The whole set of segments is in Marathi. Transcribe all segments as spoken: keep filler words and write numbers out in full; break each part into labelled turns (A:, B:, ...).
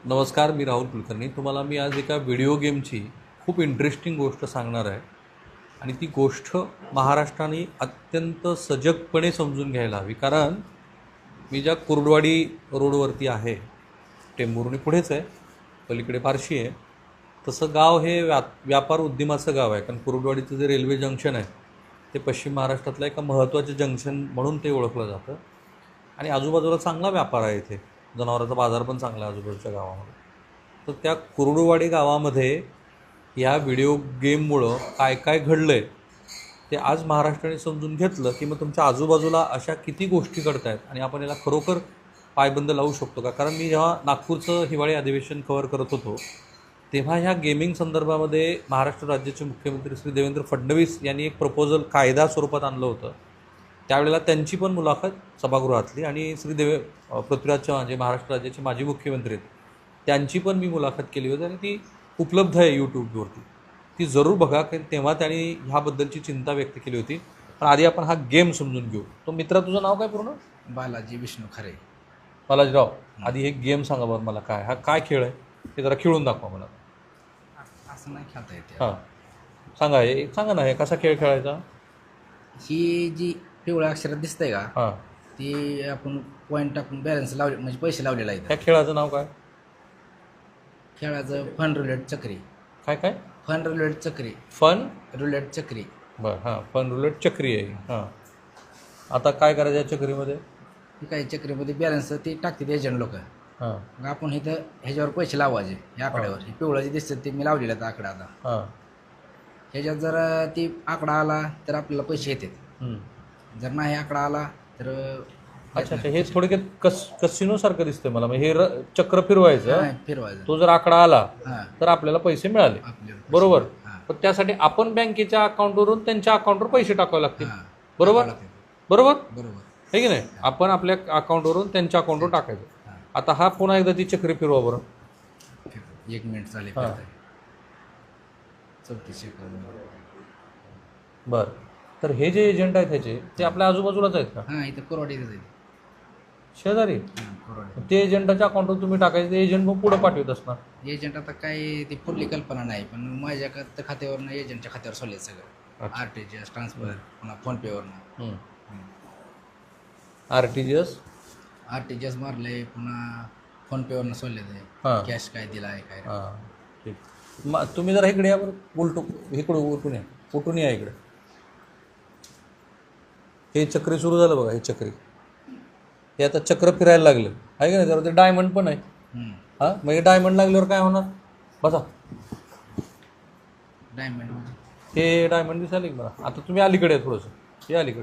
A: नमस्कार, मी राहुल कुलकर्णी. तुम्हाला मी आज एका व्हिडिओ गेमची खूप इंटरेस्टिंग गोष्ट सांगणार आहे आणि ती गोष्ट महाराष्ट्राने अत्यंत सजगपणे समजून घ्यायला हवी. कारण मी ज्या कुर्डवाडी रोडवरती आहे, टेंभुर्णी पुढेच आहे, पलीकडे फारशी आहे, तसं गाव हे व्या व्यापार उद्यमाचं गाव आहे. कारण कुर्डवाडीचं जे रेल्वे जंक्शन आहे ते पश्चिम महाराष्ट्रातलं एका महत्त्वाचं जंक्शन म्हणून ते ओळखलं जातं आणि आजूबाजूला चांगला व्यापार आहे. इथे जनावरांचा बाजार पण चांगला आहे आजूबाजूच्या गावामध्ये. तर त्या कुर्डुवाडी गावामध्ये या व्हिडिओ गेममुळं काय काय घडलं आहे ते आज महाराष्ट्राने समजून घेतलं की मग तुमच्या आजूबाजूला अशा किती गोष्टी घडत आहेत आणि आपण याला खरोखर पायबंद लावू शकतो का. कारण मी जेव्हा नागपूरचं हिवाळी अधिवेशन कव्हर करत होतो तेव्हा ह्या गेमिंग संदर्भामध्ये महाराष्ट्र राज्याचे मुख्यमंत्री श्री देवेंद्र फडणवीस यांनी एक प्रपोजल कायदा स्वरूपात आणलं होतं. त्यावेळेला त्यांची पण मुलाखत सभागृहातली आणि श्री देवे पृथ्वीराज चव्हाण जे महाराष्ट्र राज्याचे माजी मुख्यमंत्री आहेत त्यांची पण मी मुलाखत केली होती आणि ती उपलब्ध आहे यूट्यूबवरती. ती जरूर बघा, कारण तेव्हा त्यांनी ह्याबद्दलची चिंता व्यक्त केली होती. पण आधी आपण हा गेम समजून घेऊ. तो मित्रा, तुझं नाव काय पूर्ण?
B: बालाजी विष्णू खरे.
A: बालाजीराव, आधी हे गेम सांगा बरं मला, काय हा काय खेळ आहे हे जरा खेळून दाखवा मला.
B: असं नाही खेळता येते.
A: हां सांगा, हे सांगा ना, हे कसा खेळ खेळायचा.
B: ही जी पिवळ्या अक्षरात दिसतंय का,
A: हां,
B: ती आपण पॉईंट टाकून बॅलन्स लावले म्हणजे पैसे लावलेला आहे.
A: ह्या खेळाचं नाव काय?
B: खेळाचं फन रुलेट चक्री.
A: काय काय?
B: फन रुलेट चक्री.
A: फन
B: रुलेट चक्री.
A: बरं, हां, फन रुलेट चक्री आहे. हां, आता काय करायचं या चक्रीमध्ये?
B: ही काही चक्रीमध्ये बॅलन्स ती टाकतात एजंट लोक.
A: हां
B: मग आपण इथं ह्याच्यावर पैसे लावायचे या आकड्यावर. हे पिवळं जे दिसतं ते मी लावलेलं आहे आकडा. आता
A: हां
B: ह्याच्यात जर ती आकडा आला तर आपल्याला पैसे येतात.
A: हं.
B: जर नाही आकडा आला तर
A: अच्छा अच्छा, हे थोडक्यात कस कसिनोसारखं दिसतंय मला. मग हे र चक्र फिरवायचं,
B: नाही फिरवायचं.
A: तो जर आकडा आला
B: हां
A: तर आपल्याला पैसे मिळाले,
B: आपल्याला पैसे-
A: बरोबर.
B: हां
A: पण त्यासाठी आपण बँकेच्या अकाउंटवरून त्यांच्या अकाउंटवर पैसे टाकावे लागतील,
B: हां
A: बरोबर
B: टाकावं
A: बरोबर
B: बरोबर.
A: आहे की नाही. आपण आपल्या अकाउंटवरून त्यांच्या अकाउंटवर टाकायचं.
B: हां
A: आता हा पुन्हा एकदा ती चक्री फिरवा बरं.
B: एक मिनिट चालेल.
A: हां.
B: चौतीस सेकंद.
A: बरं, तर हे जे एजंट आहेत ह्याचे ते आपल्या आजूबाजूलाच आहेत का?
B: हां इथं कोरवाडी जाईल.
A: शेजारी.
B: हां कोरवाडी.
A: ते एजंटाच्या अकाउंटवर तुम्ही टाकायचं, ते एजंट मग पुढे पाठवत असणार.
B: एजंट आता काय ती पुढली कल्पना नाही, पण माझ्या खात- खात्यावरनं एजंटच्या खात्यावर सोडले सगळं.
A: अच्छा.
B: R T G S transfer, पुन्हा फोनपेवरनं
A: R T G S.
B: R T G S मारले, पुन्हा फोनपेवरनं सोडले ते.
A: हां
B: कॅश काय दिला आहे काय.
A: हां ठीक. मग तुम्ही जरा इकडे या बरं, उलटू इकडं उलटून या, उलटून या इकडे. हे चक्री सुरू झालं बघा, हे चक्री हे आता चक्र फिरायला लागलं आहे का नाही. जरा ते डायमंड पण आहे.
B: हम्म.
A: हां, मग हे डायमंड लागल्यावर काय होणार? बसा,
B: डायमंड.
A: हे डायमंड दिसायला की मला. आता तुम्ही अलीकडे आहे थोडंसं, हे अलीकडे.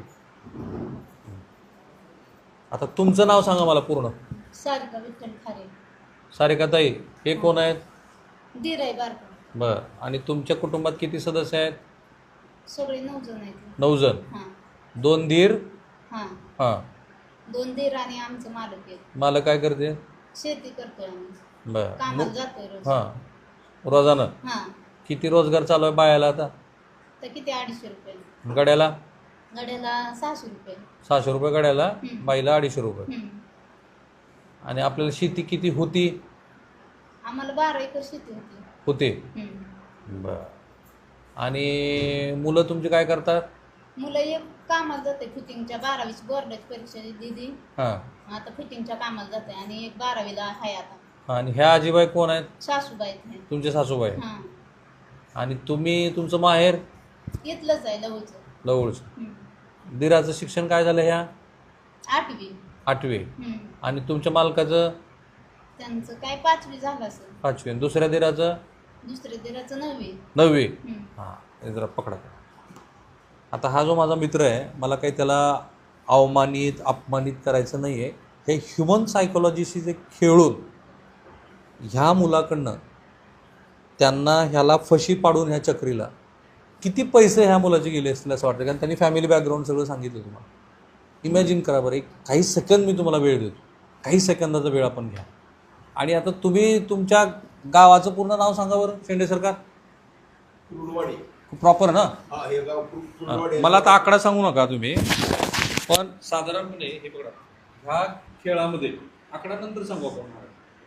A: आता तुमचं नाव सांगा मला पूर्ण.
C: सारिका विठ्ठल खारे.
A: सारिकाताई, हे कोण आहेत?
C: दीर आहे बारका.
A: बरं, आणि तुमच्या कुटुंबात किती सदस्य आहेत?
C: सगळे नऊ जण आहेत.
A: नऊ जण.
C: हां
A: दोन दीर.
C: हां
A: हां,
C: दोन दीर आणि आमचं मालक आहे.
A: मला काय करते?
C: शेती करतोय आम्ही,
A: बरं.
C: कामाला जातोय रोज.
A: हां, रोजानं
C: हां
A: किती रोजगार चालू आहे बायाला आता?
C: तर किती अडीचशे रुपये
A: गड्याला?
C: गड्याला सहाशे रुपये.
A: सहाशे रुपये गड्याला,
C: हं.
A: बाईला अडीचशे रुपये.
C: हम्म.
A: आणि आपल्याला शेती किती होती?
C: आम्हाला बारा एकर शेती होती.
A: होते.
C: हम्म.
A: बरं. आणि मुलं तुमची काय करतात?
C: मुलं एक कामाला जाते फिटिंगच्या, बारावीची बोर्डाची परीक्षा दिली,
A: हां,
C: आता फिटिंगच्या कामाला जाते. आणि एक बारावीला आहे आता.
A: आणि ह्या आजीबाई कोण आहेत?
C: सासूबाई आहेत.
A: तुमचे सासूबाई.
C: हां
A: आणि तुम्ही, तुमचं माहेर?
C: इथलंच आहे लवचं.
A: जवळचं.
C: हम्म.
A: दिराचं शिक्षण काय झालं? ह्या
C: आठवी.
A: आठवे.
C: हम्म.
A: आणि तुमच्या मालकाचं?
C: त्यांचं काय पाचवी झालं असेल.
A: पाचवे. आणि दुसऱ्या दिराचं?
C: दुसऱ्या दिराचं नववी.
A: नववे.
C: हम्म.
A: हां, हे जरा पकडा. आता हा जो माझा मित्र आहे, मला काही त्याला अवमानित अपमानित करायचं नाही आहे. हे ह्युमन सायकोलॉजीशी जे खेळून ह्या मुलाकडनं त्यांना ह्याला फशी पाडून ह्या चक्रीला किती पैसे ह्या मुलाचे गेले असतील असं वाटतं. कारण त्यांनी फॅमिली बॅकग्राऊंड सगळं सांगितलं तुम्हाला. इमॅजिन करा बरं, एक काही सेकंद मी तुम्हाला वेळ देतो, काही सेकंदाचा वेळ आपण घ्या. आणि आता तुम्ही तुमच्या गावाचं पूर्ण नाव सांगा बरं, शेंडे सरकार.
D: कुर्डवाडी.
A: प्रॉपर ना?
D: हा, हे गाव कुर- कुर्डवाडी.
A: मला आता आकडा सांगू नका तुम्ही, पण साधारणपणे हे बघा, ह्या खेळामध्ये आकडा नंतर सांगू आपण.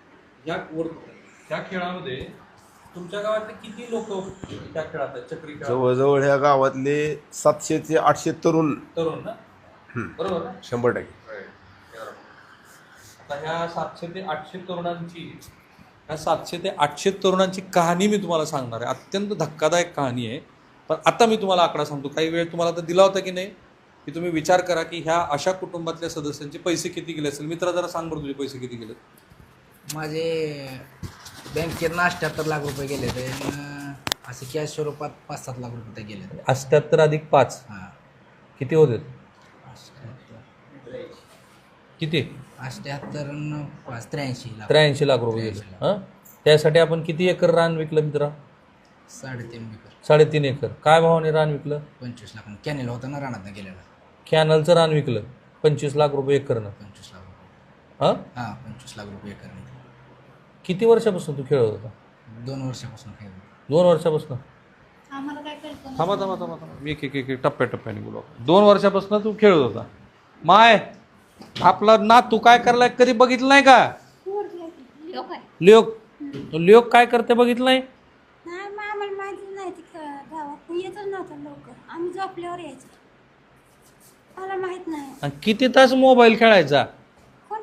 A: या वर त्या खेळामध्ये तुमच्या गावातले किती लोक त्या खेळात आहेत चक्री खेळात
D: जवळजवळ ह्या गावातले सातशे ते आठशे तरुण
A: तरुण ना बरोबर ना
D: शंभर टक्के
A: आता ह्या सातशे ते आठशे तरुणांची ह्या सातशे ते आठशे तरुणांची कहाणी मी तुम्हाला सांगणार आहे. अत्यंत धक्कादायक कहाणी आहे. पण आता मी तुम्हाला आकडा सांगतो. काही वेळ तुम्हाला तर दिला होता की नाही की तुम्ही विचार करा की ह्या अशा कुटुंबातल्या सदस्यांचे पैसे किती गेले असेल. मित्रा जरा सांग बरं तुझे पैसे किती गेले.
B: माझे बँकेत अठ्ठ्याहत्तर लाख रुपये गेले ते असे कॅश स्वरूपात पाच सात लाख रुपये गेले.
A: अठ्ठ्याहत्तर अधिक पाच
B: हां
A: किती होते
B: अठ्ठ्याहत्तर
A: किती
B: अठ्ठ्याहत्तर न पाच त्र्याऐंशी लाख
A: त्र्याऐंशी लाख रुपये गेले. हां त्यासाठी आपण किती एकर रान विकलं मित्रा.
B: साडेतीन एकर
A: साडेतीन एकर. काय भावाने रान विकलं.
B: पंचवीस लाख कॅनेल होता ना रानात गेलेला.
A: कॅनलचं रान विकलं पंचवीस लाख रुपये एकरनं.
B: पंचवीस लाख रुपये
A: हां
B: हां पंचवीस लाख रुपये एकर.
A: किती वर्षापासून तू खेळत होता.
B: दोन वर्षापासून खेळ.
A: दोन वर्षापासून.
C: आम्हाला काय कळतं
A: थांबा थांबा थांबा थांबा मी एक एक एक एक टप्प्याटप्प्याने बोलू. दोन वर्षापासून तू खेळत होता. माय आपला ना तू काय करलाय कधी बघितलं नाही का.
C: लोक आहे
A: लोक लोक काय करते बघितलं नाही.
E: नाही मग आम्हाला माहिती नाही ती गावात येतच नव्हतं लवकर. आम्ही झोपल्यावर यायचो. मला माहित नाही
A: आणि किती तास मोबाईल खेळायचा.
E: कोण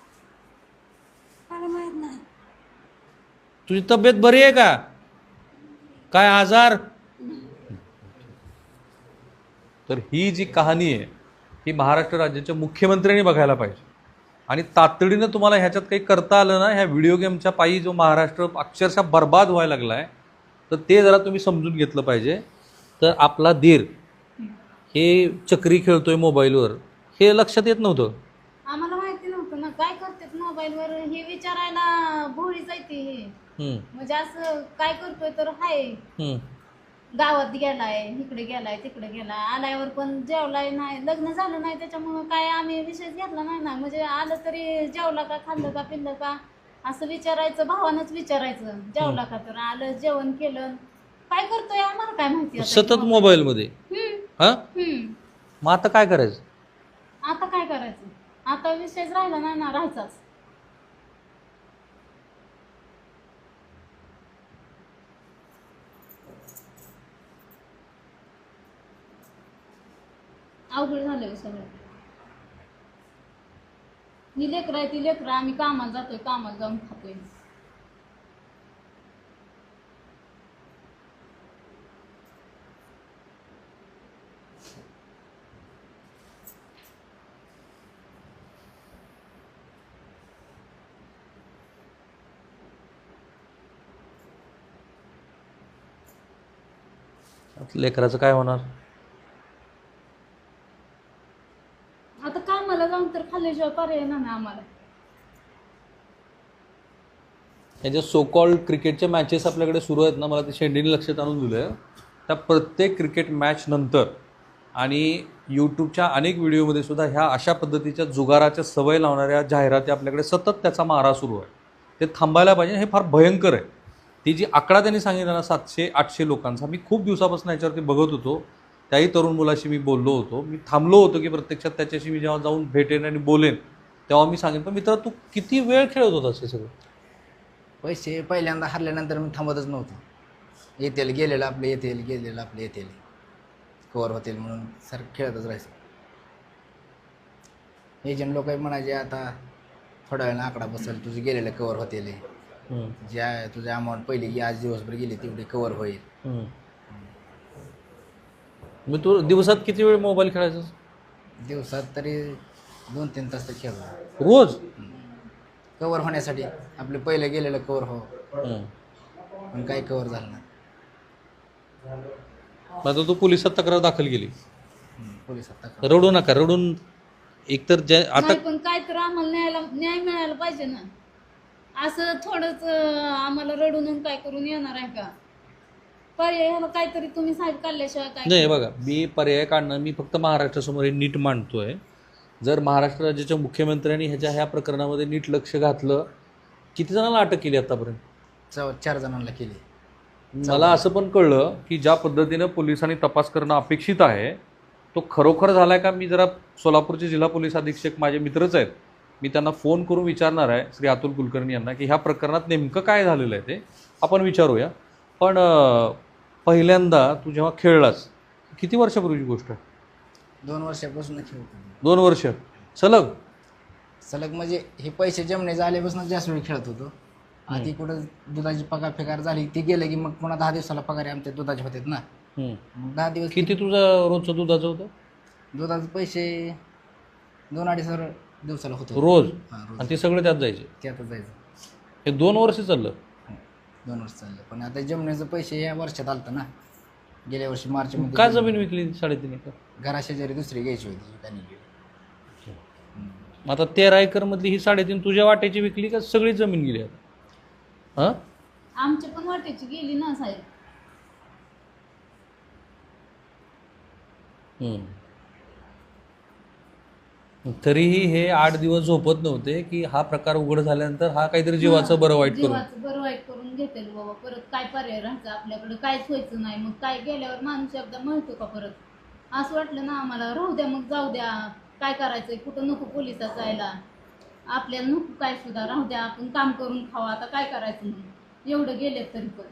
E: मला माहित नाही.
A: तुझी तब्येत बरी आहे का. काय आजार. तर ही जी कहाणी आहे ही महाराष्ट्र राज्याच्या मुख्यमंत्र्यांनी बघायला पाहिजे. आणि तातडीनं तुम्हाला ह्याच्यात काही करता आलं ना ह्या व्हिडिओ गेमच्या पायी जो महाराष्ट्र अक्षरशः बर्बाद व्हायला लागला आहे तर ते जरा तुम्ही समजून घेतलं पाहिजे. तर आपला धीर हे चक्री खेळतोय मोबाईलवर हे लक्षात येत नव्हतं.
C: आम्हाला माहिती नव्हतं ना काय करतात मोबाईलवर हे विचारायला भोळी जायते हे
A: हम्म,
C: म्हणजे असं काय करतोय तर हाय
A: हम्म.
C: गावात गेलाय इकडे गेलाय तिकडे गेलाय आल्यावर पण जेवलाय नाही लग्न झालं नाही त्याच्यामुळं काय आम्ही विषयच घेतला नाही ना. म्हणजे आलं तरी जेवला का खाल्लं का पिल्लं का असं विचारायचं भावानंच विचारायचं जेवला का तर आलं जेवण केलं काय करतोय आम्हाला काय माहिती आता.
A: सतत मोबाईलमध्ये.
C: हम्म,
A: हा
C: हम्म.
A: मग आता काय करायचं.
C: आता काय करायचं आता विषयच राहिला नाही ना राहायचाच. अवघड झालं सगळं. ही लेकरं आहे ती लेकरं आम्ही कामाला जातोय कामाला जाऊन खातोय.
A: लेकराचं काय होणार.
C: आता कामाला जाऊन तर खाल्ल्याशिवाय पर्याय नाही ना आम्हाला.
A: याच्या सो कॉल्ड क्रिकेटच्या मॅचेस आपल्याकडे सुरू आहेत ना मला ते शेंडीने लक्षात आणून दिलं आहे. त्या प्रत्येक क्रिकेट मॅच नंतर आणि यूट्यूबच्या अनेक व्हिडिओमध्ये सुद्धा ह्या अशा पद्धतीच्या जुगाराच्या सवय लावणाऱ्या जाहिराती आपल्याकडे सतत त्याचा मारा सुरू आहे. ते थांबायला पाहिजे. हे फार भयंकर आहे. ती जी आकडा त्यांनी सांगितला ना सातशे आठशे लोकांचा मी खूप दिवसापासून याच्यावरती बघत होतो. त्याही तरुण मुलाशी मी बोललो होतो. मी थांबलो होतो की प्रत्यक्षात त्याच्याशी मी जेव्हा जाऊन भेटेन आणि बोलेन तेव्हा मी सांगेन. पण मित्र तू किती वेळ खेळत होतास हे सगळं.
B: पैसे पहिल्यांदा हरल्यानंतर मी थांबतच नव्हतो. येतील गेलेलं आपले येतील गेलेलं आपले येतील कवर होतील म्हणून सर खेळतच राहायचं. एजंट लोक म्हणायचे आता थोड्या वेळानं आकडा बसेल तुझे गेलेलं कवर होतील. ज्या तुझ्या अमाऊंट पहिली की आज दिवसभर गेली तेवढी कवर होईल.
A: मग तू दिवसात किती वेळ मोबाईल खेळायचा.
B: दिवसात तरी दोन तीन तास तर खेळतो
A: रोज.
B: कवर होण्यासाठी आपले पहिले गेलेलं कवर हो पण काही कवर झालं नाही.
A: आता तू पोलिसात तक्रार दाखल केली.
B: पोलिसात तक्रार.
A: रडू नका. रडून एकतर ज्या आता
C: नाही पण काय तर आम्हाला न्यायला न्याय मिळायला पाहिजे ना. असं थोडंच आम्हाला रडून काय करून येणार आहे का. पर्याय ह्याला काहीतरी तुम्ही साहेब काढल्याशिवाय काय.
A: नाही बघा मी पर्याय काढणं मी फक्त महाराष्ट्रासमोर हे नीट मांडतोय. जर महाराष्ट्र राज्याच्या मुख्यमंत्र्यांनी ह्याच्या ह्या प्रकरणामध्ये नीट लक्ष घातलं. किती जणांना अटक केली आतापर्यंत.
B: चौ चार जणांना केली.
A: मला असं पण कळलं की ज्या पद्धतीनं पोलिसांनी तपास करणं अपेक्षित आहे तो खरोखर झाला आहे का. मी जरा सोलापूरचे जिल्हा पोलीस अधीक्षक माझे मित्रच आहेत मी त्यांना फोन करून विचारणार आहे श्री अतुल कुलकर्णी यांना की ह्या प्रकरणात नेमकं काय झालेलं आहे ते आपण विचारूया. पण अं, पहिल्यांदा तू जेव्हा खेळलास किती वर्षापूर्वीची गोष्ट आहे?
B: दोन वर्षापासून खेळतो.
A: दोन वर्ष सलग?
B: सलग म्हणजे हे पैसे जमणे आल्यापासून जास्त वेळ खेळत होतो. आधी कुठं दुधाची पगार फेकार झाली ती गेलं की मग पुन्हा दहा दिवसाला पगार आमच्या दुधाचे होते ना.
A: हम्म.
B: मग दहा दिवस
A: किती तुझं रोजचं दुधाचं होतं?
B: दुधाचे पैसे दोन अडीच हजार दिवसाला होतो
A: रोज?
B: हां
A: आणि
B: रोज
A: ते सगळे त्यात जायचे?
B: त्यातच जायचं.
A: हे दोन वर्ष चाललं?
B: दोन वर्ष चाललं. पण आता जमण्याचं पैसे या वर्षात आलतं ना. गेल्या वर्षी मार्च मध्ये
A: का जमीन विकली साडेतीन एकर?
B: घराशेजारी दुसरी घ्यायची होती त्यांनी गेली.
A: मग आता तेरा एकर मधली ही साडेतीन तुझ्या वाट्याची विकली का सगळी जमीन गेली आता? हां
C: आमच्या पण वाटेची गेली ना साहेब.
A: हम्म. तरीही हे आठ दिवस झोपत नव्हते की हा प्रकार उघड झाल्यानंतर हा काहीतरी जीवाचं बरं वाईट करून.
C: जीवाचं बरं वाईट करून घेतेल बाबा. परत काय पर्याय राहायचं आपल्याकडे? काहीच व्हायचं नाही. मग काय गेल्यावर माणूस एकदा म्हणतो का परत? असं वाटलं ना आम्हाला राहू द्या मग जाऊ द्या. काय करायचंय? कुठं नको पोलिसात जायला. आपल्याला नको काय सुद्धा राहू द्या. आपण काम करून खावा. आता काय करायचं म्हणून एवढं गेलेत तरी पण.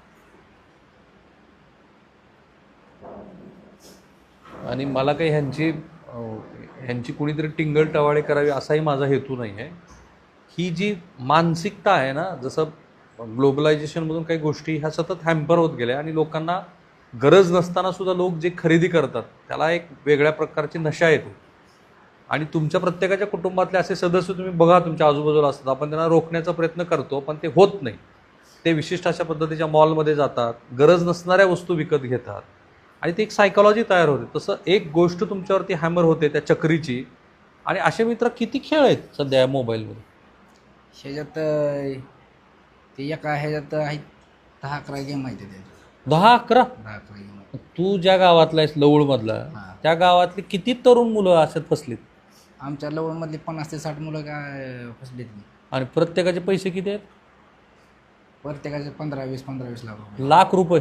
A: आणि मला काही ह्यांची अं, ह्यांची कुणीतरी टिंगल टवाळे करावी असाही माझा हेतू नाही आहे. ही जी मानसिकता आहे ना, जसं ग्लोबलायझेशनमधून काही गोष्टी ह्या सतत हॅम्पर होत गेल्या आणि लोकांना गरज नसताना सुद्धा लोक जे खरेदी करतात त्याला एक वेगळ्या प्रकारची नशा येते. आणि तुमच्या प्रत्येकाच्या कुटुंबातले असे सदस्य तुम्ही बघा तुमच्या आजूबाजूला असतात. आपण त्यांना रोखण्याचा प्रयत्न करतो पण ते होत नाही. ते विशिष्ट अशा पद्धतीच्या मॉलमध्ये जातात, गरज नसणाऱ्या वस्तू विकत घेतात आणि ती एक सायकॉलॉजी तयार होते. तसं एक गोष्ट तुमच्यावरती हॅमर होते त्या चक्रीची. आणि असे मित्र किती खेळ आहेत सध्या या मोबाईलमध्ये?
B: ह्याच्यात अं, ते एका ह्याच्यात आहेत दहा अकरा गेम आहेत त्याच्यात.
A: दहा अकरा?
B: दहा अकरा गेम.
A: तू ज्या गावातला आहेस लवळमधला,
B: हां.
A: त्या गावातली किती तरुण मुलं अशात फसलीत?
B: आमच्या लवणमधली पन्नास ते साठ मुलं काय फसलेत नाही.
A: आणि प्रत्येकाचे पैसे किती आहेत?
B: प्रत्येकाचे पंधरा वीस पंधरा वीस लाख रुपये.
A: लाख रुपये.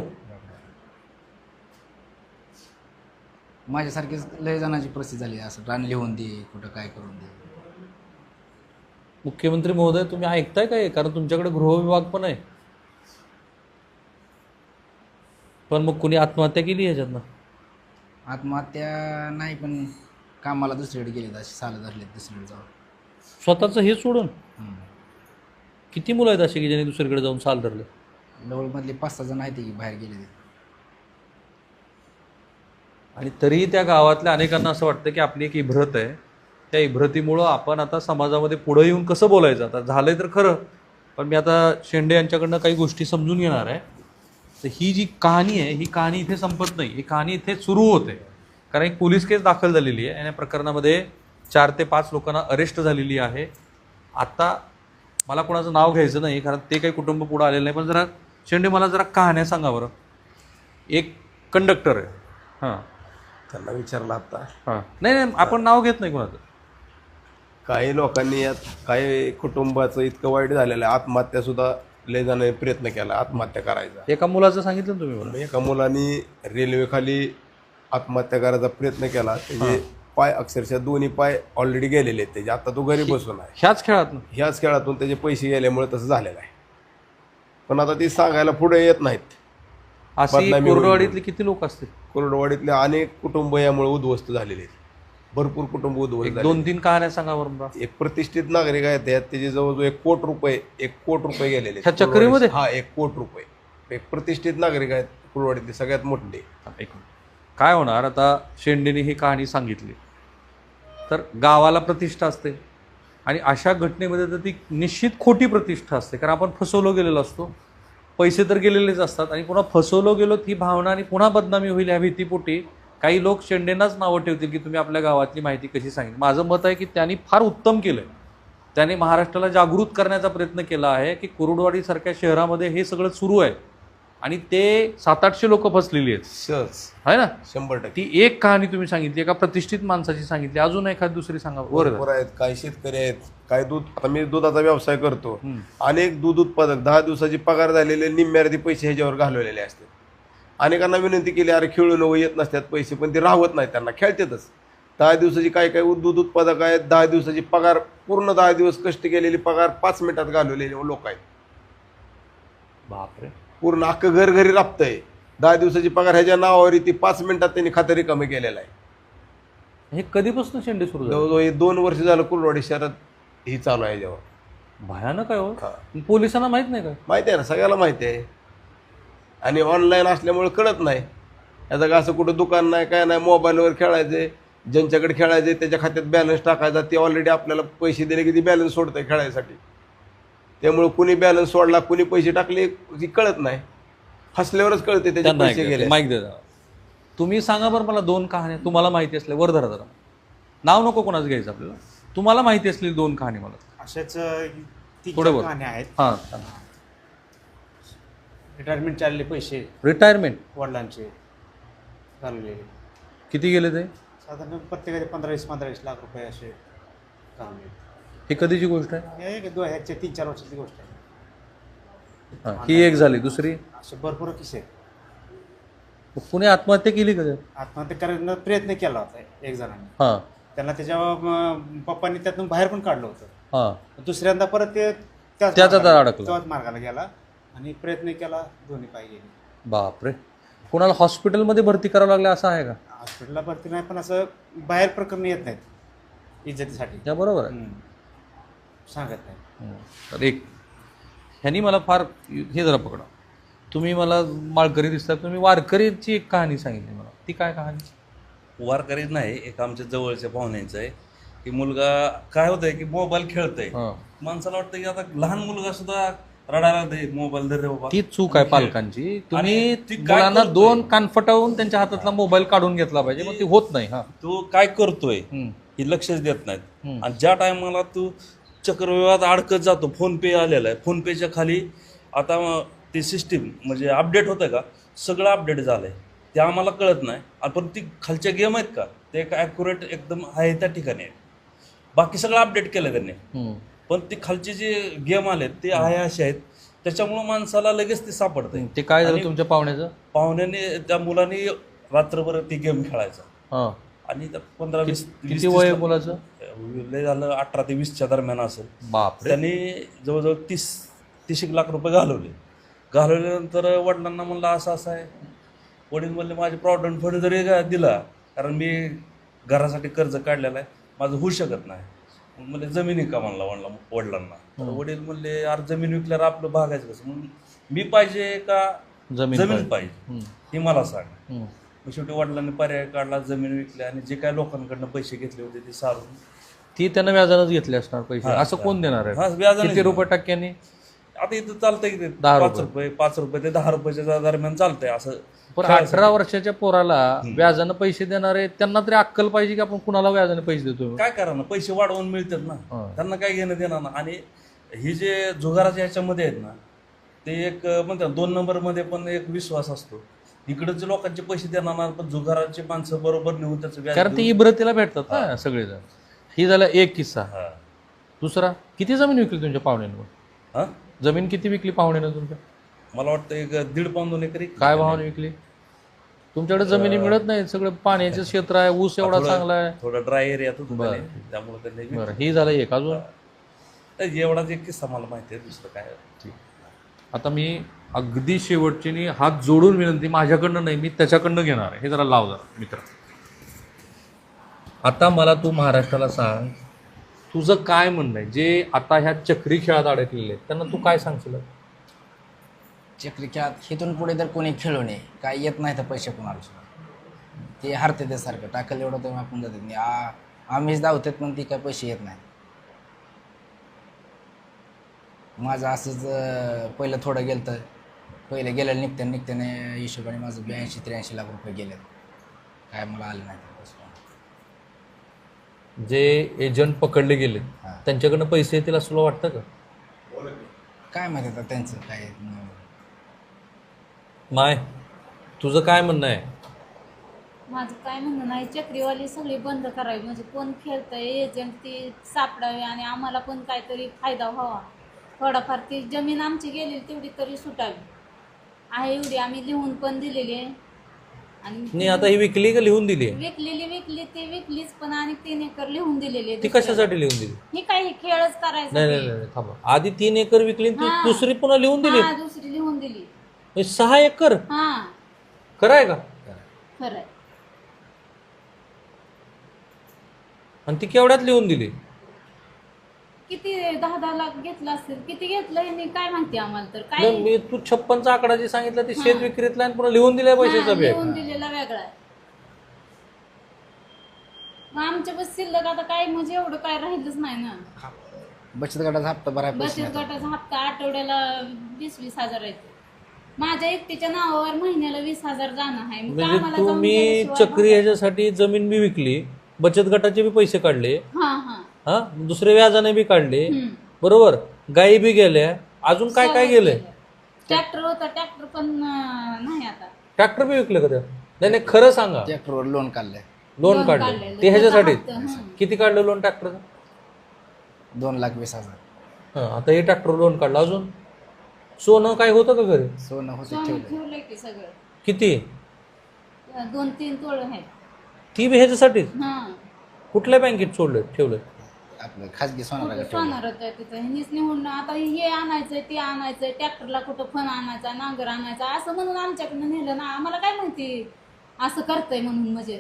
B: माझ्यासारखीच लय जणांची परिस्थिती झाली. असं रान लिहून दे, कुठं काय करून दे.
A: मुख्यमंत्री महोदय तुम्ही ऐकताय काय? कारण तुमच्याकडे गृहविभाग पण आहे. पण मग कुणी आत्महत्या केली ह्याच्यातनं?
B: आत्महत्या नाही पण कामाला दुसरीकडे गेले असे साल धरले दुसरीकडे जाऊन.
A: स्वतःचं हे सोडून?
B: हम्म.
A: किती मुलं आहेत अशी की ज्यांनी दुसरीकडे जाऊन साल धरले?
B: लवळमधले पाच सहा जण आहेत की बाहेर गेले ते.
A: आणि तरीही त्या गावातल्या अनेकांना असं वाटतं की आपली एक इब्रत आहे. त्या इब्रतीमुळं आपण आता समाजामध्ये पुढं येऊन कसं बोलायचं? आता झालंय तर खरं, पण मी आता शेंडे यांच्याकडनं काही गोष्टी समजून घेणार आहे. तर ही जी कहाणी आहे ही कहाणी इथे संपत नाही. ही कहाणी इथे सुरू होते. कारण एक पोलीस केस दाखल झालेली आहे आणि या प्रकरणामध्ये चार ते पाच लोकांना अरेस्ट झालेली आहे. आता मला कोणाचं नाव घ्यायचं नाही कारण ते काही कुटुंब पुढं आलेलं नाही. पण जरा शेंडे मला जरा कहाण्या सांगा बरं. एक कंडक्टर आहे. हां
D: त्यांना विचारलं आता.
A: हां नाही नाही आपण नाव घेत नाही कोणाचं.
D: काही लोकांनी यात काही कुटुंबाचं इतकं वाईट झालेलं आहे, आत्महत्या सुद्धा लय जणांनी प्रयत्न केला आत्महत्या करायचा.
A: एका मुलाचं सांगितलं ना तुम्ही मला.
D: एका मुलांनी रेल्वेखाली आत्महत्या करायचा प्रयत्न केला. त्याचे पाय अक्षरशः दोन्ही पाय ऑलरेडी गेलेले आहेत त्याचे. आता तो घरी बसून आहे.
A: ह्याच खेळात ना?
D: ह्याच खेळातून त्याचे पैसे गेल्यामुळे तसं झालेलं आहे. पण आता ती सांगायला पुढे येत नाहीत.
A: अशी
D: बदनामी होईल
A: कोरडवाडीतले किती लोक असतील?
D: कोरडवाडीतले अनेक कुटुंब यामुळे उद्ध्वस्त झालेले आहेत. भरपूर कुटुंब उद्ध्वस्त
A: एक
D: झाले.
A: दोन तीन कहाण्या सांगा बरं मला.
D: एक प्रतिष्ठित नागरिक आहेत त्यात त्याचे जवळजवळ एक कोट रुपये एक कोट रुपये गेलेले आहेत.
A: ह्या चक्रीमध्ये?
D: हा एक कोट रुपये. एक प्रतिष्ठित नागरिक आहेत कुरवाडीतले सगळ्यात मोठे.
A: एक काय होणार आता शेंडेने ही कहाणी सांगितली तर गावाला प्रतिष्ठा असते आणि अशा घटनेमध्ये तर ती निश्चित खोटी प्रतिष्ठा असते. कारण आपण फसवलो गेलेलो असतो, पैसे तर गेलेलेच असतात आणि पुन्हा फसवलो गेलो ही भावना आणि पुन्हा बदनामी होईल ह्या भीतीपोटी काही लोक शेंडेंनाच नावं ठेवतील की तुम्ही आपल्या गावातली माहिती कशी सांगितली. माझं मत आहे की त्यांनी फार उत्तम केलं आहे. त्याने महाराष्ट्राला जागृत करण्याचा प्रयत्न केला आहे की कुरुडवाडीसारख्या शहरामध्ये हे सगळं सुरू आहे आणि ते सात आठशे लोक फसलेली आहेत.
D: सहज
A: आहे ना?
D: शंभर टक्के.
A: ती एक कहाणी तुम्ही सांगितली, एका प्रतिष्ठित माणसाची सांगितली. अजून एखादी दुसरी सांगा.
D: बरोबर आहेत. काही शेतकरी आहेत, काही दूध. आता मी दुधाचा व्यवसाय करतो.
A: हम्म.
D: अनेक दूध उत्पादक दहा दिवसाची पगार झालेले निम्म्यार्धी पैसे ह्याच्यावर घालवलेले असतात. अनेकांना विनंती केली अरे खेळू नको, येत नसतात पैसे, पण ते राहत नाहीत, त्यांना खेळतातच. दहा दिवसाची काय काय दूध उत्पादक आहेत, दहा दिवसाची पगार पूर्ण दहा दिवस कष्ट केलेली पगार पाच मिनिटात घालवलेले लोक आहेत.
A: बापरे.
D: पूर्ण अख्खं घर घरी राबतंय. दहा दिवसाची पगार ह्याच्या नावावर ती पाच मिनिटात त्यांनी खातं रिकामी केलेलं आहे.
A: हे कधीपासून शेंडे सुरू झाले?
D: जवळजवळ हे दोन वर्ष झालं कुलवाडी शहरात ही चालू आहे याच्यावर.
A: भयानक आहे हो.
D: हा.
A: पोलिसांना माहित नाही का?
D: माहिती आहे ना, सगळ्याला माहिती आहे. आणि ऑनलाईन असल्यामुळे कळत नाही. याचं का असं कुठं दुकान नाही काय नाही, मोबाईलवर खेळायचे, ज्यांच्याकडे खेळायचे त्याच्या खात्यात बॅलन्स टाकायचा, ते ऑलरेडी आपल्याला पैसे दिले की ती बॅलन्स सोडतंय खेळायसाठी. त्यामुळे कुणी बॅलन्स सोडला, कुणी पैसे टाकले की कळत नाही. फसल्यावरच कळते त्याचे
A: त्यांना
D: पैसे गेले.
A: माहिती दे जरा. तुम्ही सांगा बरं मला दोन कहाण्या तुम्हाला माहिती असल्या, वर धरा जरा, नाव नको कोणाचं घ्यायचं आपल्याला, तुम्हाला माहिती असलेली दोन कहाणी मला.
F: अशाच तीन
A: थोडं
F: चार
A: बोल.
F: कहाण्या आहेत.
A: हां.
F: रिटायरमेंट चालले पैसे
A: रिटायरमेंट
F: वडिलांचे घालवलेले,
A: किती गेले ते?
F: साधारण प्रत्येकाचे पंधरा वीस पंधरा वीस लाख रुपये असे घालवले.
A: ही कधीची गोष्ट आहे?
F: हे एक दोन ह्याच्या तीन चार वर्षाची गोष्ट आहे.
A: हां, ही एक झाली. दुसरी,
F: असे भरपूर किस्से आहेत.
A: कुणी आत्महत्या केली का त्यात?
F: आत्महत्या करण्याचा प्रयत्न केला होता एक जणांनी.
A: हां
F: त्यांना त्याच्या अं, पप्पांनी त्यातून बाहेर पण काढलं होतं.
A: हां.
F: दुसऱ्यांदा परत ते त्याच
A: त्याचा
F: मार्गाला-
A: अडकला.
F: त्याच मार्गाला गेला आणि प्रयत्न केला, दोन्ही पाय गेले.
A: बापरे. कोणाला हॉस्पिटलमध्ये भरती करावं लागलं असं आहे का?
F: हॉस्पिटलला भरती नाही, पण असं बाहेर प्रकरण येत नाहीत इज्जतीसाठी.
A: त्या बरोबर आहे.
F: हम्म. सांगत नाही.
A: हं. तर एक ह्यांनी मला फार हे जरा पकडा, तुम्ही मला माळकरी दिसतात, तुम्ही वारकरीची एक कहाणी सांगितली मला, ती काय कहाणी?
G: वारकरीच नाही, एक आमच्या जवळच्या पाहुण्यांचं आहे की मुलगा काय होतंय की मोबाईल खेळतोय.
A: हां.
G: माणसाला वाटतं की आता लहान मुलगा सुद्धा रडायला लागतंय, मोबाईल धर रे बाबा.
A: ती चूक आहे पालकांची. तुम्ही
G: आणि ती काय
A: मुलांना
G: करतोय?
A: दोन कानफटावून त्यांच्या हातातला मोबाईल काढून घेतला पाहिजे, मग ते होत नाही. हा.
G: तो काय करतोय
A: हं.
G: हे लक्षच देत नाहीत.
A: हं.
G: आणि ज्या टायमाला तू चक्रव्यूहात अडकत जातो, फोन पे आलेला आहे, फोन पेच्या खाली आता ते सिस्टीम म्हणजे अपडेट होतं का, सगळं अपडेट झालंय, ते आम्हाला कळत नाही. आणि पण ती खालच्या गेम आहेत का, ते एक ॲक्युरेट एकदम आहे त्या ठिकाणी आहे. बाकी सगळं अपडेट केलं त्यांनी,
A: हं.
G: पण ते खालचे जे गेम आलेत ते आहे असे आहेत, त्याच्यामुळं माणसाला लगेच ते सापडतंय.
A: ते काय झालं
G: आणि
A: तुमच्या पाहुण्याचं?
G: पाहुण्याने त्या मुलाने रात्रभर ती गेम खेळायचा
A: हां.
G: आणि त्या पंधरा वीस
A: किती
G: वीस-
A: वय आहे
G: तीस-
A: मुलाचं?
G: लय झालं अठरा ते वीसच्या दरम्यान असेल.
A: बापरे.
G: त्यांनी जवळजवळ तीस तीस एक लाख रुपये घालवले. घालवल्यानंतर वडिलांना म्हणलं असं असं आहे. वडील म्हणले माझे प्रॉव्हिडंट फंड जरी गा- दिला, कारण मी घरासाठी कर्ज काढलेलं आहे, माझं होऊ शकत नाही. मग म्हणले जमिनी का म्हणला वडला वडिलांना. तर वडील म्हणले अरे जमीन विकल्यावर आपलं भागायचं कसं, म्हणून मी पाहिजे का
A: जमीन
G: जमीन
A: पाहिजे.
G: पाहिजे
A: हं.
G: हे मला सांग.
A: हं.
G: मग शेवटी वडिलांनी पर्याय काढला, जमीन विकली आणि जे काय लोकांकडनं पैसे घेतले होते ते सारून
A: ती त्यानं व्याजानंच घेतली असणार पैसे.
G: हां,
A: असं कोण देणार
G: हां,
A: आहे?
G: व्याजाने
A: किती रुपये
G: देणार.
A: टक्क्यांनी?
G: आता इथं चालतंय की ते
A: दहा
G: पाच
A: रुपये.
G: रुपये पाच रुपये ते दहा रुपयाच्या दरम्यान चालतंय असं.
A: पण
G: खेळायसाठी.
A: अठरा वर्षाच्या पोराला व्याजानं पैसे देणारे त्यांना तरी अक्कल पाहिजे की आपण कुणाला व्याजाने पैसे देतो.
G: काय करा ना, पैसे वाढवून मिळतात ना,
A: हां.
G: त्यांना काय घेणं देणार ना. आणि ही जे जुगाराच्या ह्याच्यामध्ये आहेत ना, ते एक म्हणतात दोन नंबरमध्ये पण एक विश्वास असतो. इकडचे लोकांचे पैसे देणार ना, पण जुगाराचे माणसं बरोबर नेऊन त्याचं व्याज
A: कारण ते
G: देऊन-
A: इब्रतीला भेटतात ना सगळेजण. ही झाला एक किस्सा.
G: हां.
A: दुसरा, किती जमीन विकली तुमच्या पाहुण्यानं?
G: हां?
A: जमीन किती विकली पाहुण्यानं तुमच्या?
G: मला वाटतं एक दीड पाऊन दोन एकरी.
A: काय भावाने विकली? तुमच्याकडे जमिनी मिळत नाही, सगळं पाण्याचं क्षेत्र आहे, ऊस एवढा
G: थोडं-
A: चांगला आहे.
G: थोडा ड्राय एरियात होतो
A: बरं.
G: त्याने, त्यामुळे त्यांनी विकलं.
A: बरं, ही झालं एक. अजून
G: एवढाच एक किस्सा मला माहिती आहे, दुसरं काय.
A: आता मी अगदी शेवटची नी हात जोडून विनंती, माझ्याकडनं नाही, मी त्याच्याकडनं घेणार आहे. हे जरा लाव जरा मित्र. आता मला तू महाराष्ट्राला सांग, तुझं काय म्हणणं आहे जे आता ह्या चक्री खेळात अडकलेले आहेत त्यांना तू काय सांगशील?
B: चक्री खेळात इथून पुढे तर कोणी खेळू नये, काय येत नाही तर पैसे कोणाला सुद्धा. ते हरते ते सारखं टाकलं एवढं तर आपण जातात नाही. आ आम्हीच धावतात पण ती काय पैसे येत नाही. माझं असंच अं, पहिलं थोडं गेलं तर पहिले गेलं निघत्या निघत्याने हिशोबाने माझं ब्याऐंशी त्र्याऐंशी लाख रुपये गेले, काय मला आले नाही ते पैसे.
A: जे एजंट पकडले गेले
B: हां.
A: त्यांच्याकडनं पैसे येतील असं तुला वाटतं का?
B: काय माहिती आता त्यांचं काय.
A: माय, तुझं काय म्हणणं आहे?
C: माझं काय म्हणणं नाही, चक्रीवाली सगळी बंद करावी, म्हणजे कोण खेळतंय एजंट ती सापडावी आणि आम्हाला पण काहीतरी फायदा व्हावा. थोडाफार ती जमीन आमची गेली तेवढी तरी सुटावी आहे, एवढी आम्ही लिहून पण दिलेली आहे. आणि
A: नाही आता ही विकली का लिहून दिली आहे?
C: विकलेली विकली ती विकलीच, पण आणि तीन एकर लिहून दिलेली
A: ती कशासाठी लिहून दिली?
C: ही काही खेळच करायचा
A: नाही नाही नाही थांबा, आधी तीन एकर विकली आणि ती
C: हा.
A: दुसरी पुन्हा लिहून दिली
C: हा दुसरी लिहून दिली.
A: म्हणजे सहा एकर
C: हा
A: खरं आहे का?
C: खरंय.
A: आणि ती केवढ्यात लिहून दिली?
C: किती दहा दहा लाख घेतला असेल, किती घेतलं हे काय माहिती आम्हाला तर काय.
A: नाही, मी तू छप्पनचा आकडा जे सांगितला ते शेत विक्रीतला आणि पुन्हा लिहून दिलाय पैशाचा
C: हा,
A: बॅग.
C: लिहून दिलेला वेगळा आहे. मग आमच्या बस शिल्लक आता काय म्हणजे एवढं काय राहिलंच नाही ना.
B: बचत गटाचा हप्ता भरायला पैसे
C: बचत
B: नाही.
C: गटाचा हप्ता आठवड्याला वीस वीस हजार आहे. माझ्या एकटीच्या नावावर महिन्याला वीस हजार जाणं आहे. मग
A: म्हणजे
C: आम्हाला जाऊन
A: तुम्ही
C: गेल्याशिवाय
A: चक्री ह्याच्यासाठी जमीन बी विकली, बचत गटाचे बी पैसे काढले,
C: हा हा
A: हा दुसरे व्याजाने बी काढले,
C: हम्म.
A: बरोबर, गायी बी गेल्या, अजून काय काय गेलंय?
C: ट्रॅक्टर होता, ट्रॅक्टर पण अं, नाही आता.
A: ट्रॅक्टर बी विकले का त्या? नाही नाही खरं सांगा.
B: ट्रॅक्टरवर लोन काढलंय
A: लोन
C: लोन
A: काढलं
C: काढलेलं.
A: ते ह्याच्यासाठी?
C: त्याचा हप्ता, हं.
A: किती काढलं लोन ट्रॅक्टरचं?
B: दोन लाख वीस हजार.
A: हा आता हे ट्रॅक्टर लोन काढलं. अजून सोनं काय होतं का घरी?
B: सोनं होते
C: सोनं
B: ठेवलं.
C: ठेवलंय की सगळं.
A: किती?
C: दोन तीन तोळ आहे.
A: ती बी ह्याच्यासाठीच?
C: हा
A: कुठल्या बँकेत सोडलं ठेवलं?
B: आपलं खाजगी सोनाला ठेवलं.
C: सोनार होतं तिथं. ह्यांनीच निवडणं आता हे आणायचंय ते आणायचंय, ट्रॅक्टरला कुठं फण आणायचा, नांगर आणायचा असं म्हणून आमच्याकडनं नेलं ना. आम्हाला काय माहिती असं करतंय म्हणून. म्हणजे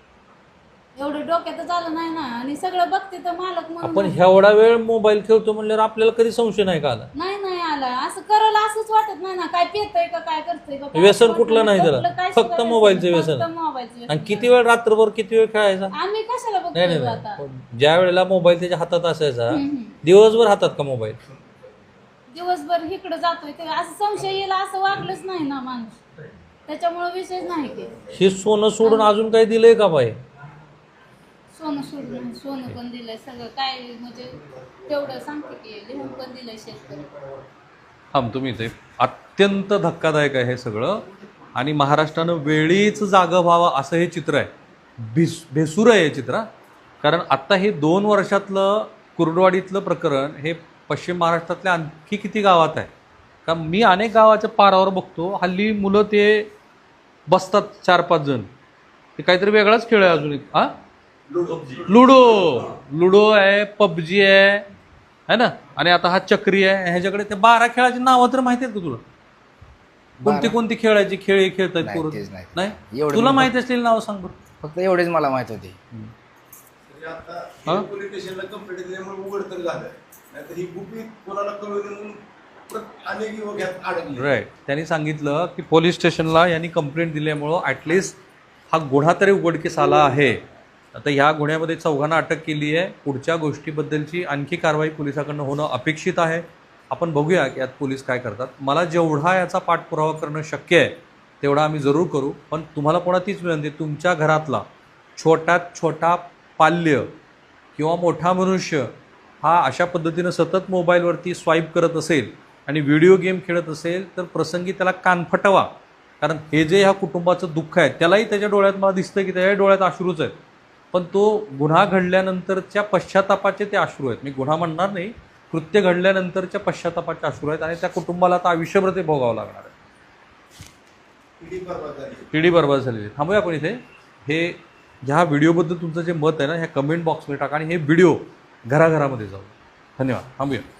C: एवढं डोक्यातच आलं नाही ना. आणि सगळं बघते तर मालक
A: आपण
C: म्हणून
A: एवढा वेळ मोबाईल खेळतो म्हणल्यावर आपल्याला कधी संशय नाही का आला?
C: नाही नाही आला. असं करल असंच वाटत नाही ना. काय पेतय का काय करतंय का काय
A: व्यसन
C: वाटत
A: कुठलं नाही त्याला?
C: कुठलं काय
A: फक्त
C: सुद्धा
A: मोबाईलचं
C: व्यसन.
A: व्यसन.
C: फक्त मोबाईलचं व्यसन.
A: आणि किती वेळ रात्रभर किती वेळ खेळायचा?
C: आम्ही कशाला
A: नाही नाही
C: बघतोय आता.
A: नाही ज्या वेळेला मोबाईल त्याच्या हातात असायचा
C: हम्म, हम्म.
A: दिवसभर हातात का मोबाईल?
C: दिवसभर इकडं जातोय ते असं संशय येईल असं वागलंच नाही ना माणूस. त्याच्यामुळे विषयच नाही की
A: हे सोनं सोडून अजून काही दिलंय का बाई?
C: सोनं सोडून सोनं पण दिलंय सगळं काय म्हणजे तेवढं सांगते की लिहून पण दिलंय शेतकरी.
A: थांब तुम्ही ते अत्यंत धक्कादायक आहे हे सगळं. आणि महाराष्ट्रानं वेळीच जागं व्हावं असं हे चित्र आहे. भिस भेसूर आहे हे चित्र. कारण आत्ता हे दोन वर्षातलं कुर्डवाडीतलं प्रकरण हे पश्चिम महाराष्ट्रातल्या आणखी किती गावात आहे. कारण मी अनेक गावाच्या पारावर बघतो हल्ली मुलं ते बसतात चार पाच जण, ते काहीतरी वेगळाच खेळ आहे अजून एक. हां लुडो लुडो आहे, पबजी आहे है ना, आणि आता हा चक्री आहे. ह्याच्याकडे ते बारा खेळाची नावं तर माहिती आहेत का तुला? कोणती कोणती खेळायची खेळ हे खेळतात
B: नाही,
A: पोरं?
B: तेच नाही.
A: नाही
B: एवढं
A: तुला
B: मी-
A: माहिती असलेली नावं सांग बरं.
B: फक्त एवढेच मला माहित होते.
A: हा?
D: पोलीस स्टेशनला कंप्लेंट दिल्यामुळे उघड तर झालं, नाहीतर ही गुपित कोणाला कळू नये म्हणून प्रत- अनेक युवक यात अडकले.
A: राईट. त्यांनी सांगितलं की पोलीस स्टेशनला यांनी कंप्लेंट दिल्यामुळं ॲटलिस्ट हा गुन्हा तरी उघडकीस आला आहे. आता ह्या गुन्ह्यामध्ये चौघांना अटक केली आहे. पुढच्या गोष्टीबद्दलची आणखी कारवाई पोलिसाकडनं होणं अपेक्षित आहे. आपण बघूया की यात पोलीस काय करतात. मला जेवढा याचा पाठपुरावा करणं शक्य आहे तेवढा आम्ही जरूर करू. पण तुम्हाला पुन्हा तीच विनंती, तुमच्या घरातला छोट्यात छोटा पाल्य किंवा मोठा मनुष्य हा अशा पद्धतीनं सतत मोबाईलवरती स्वाईप करत असेल आणि व्हिडिओ गेम खेळत असेल तर प्रसंगी त्याला कान फटवा. कारण हे जे ह्या कुटुंबाचं दुःख आहे त्यालाही त्याच्या डोळ्यात मला दिसतं की त्याच्या डोळ्यात अश्रूच आहेत. पण तो गुन्हा घडल्यानंतरच्या पश्चातापाचे ते अश्रू आहेत. मी गुन्हा म्हणणार नाही, कृत्य घडल्यानंतरच्या पश्चातापाचे अश्रू आहेत. आणि त्या कुटुंबाला आता आयुष्यभर ते भोगावं लागणार आहे.
D: पिढी बरबाद झाली.
A: पिढी बरबाद झालेली. थांबूया आपण इथे. हे ह्या व्हिडिओबद्दल तुमचं जे मत आहे ना ह्या कमेंट बॉक्समध्ये टाका आणि हे व्हिडिओ घराघरामध्ये जाऊ. धन्यवाद. थांबूया.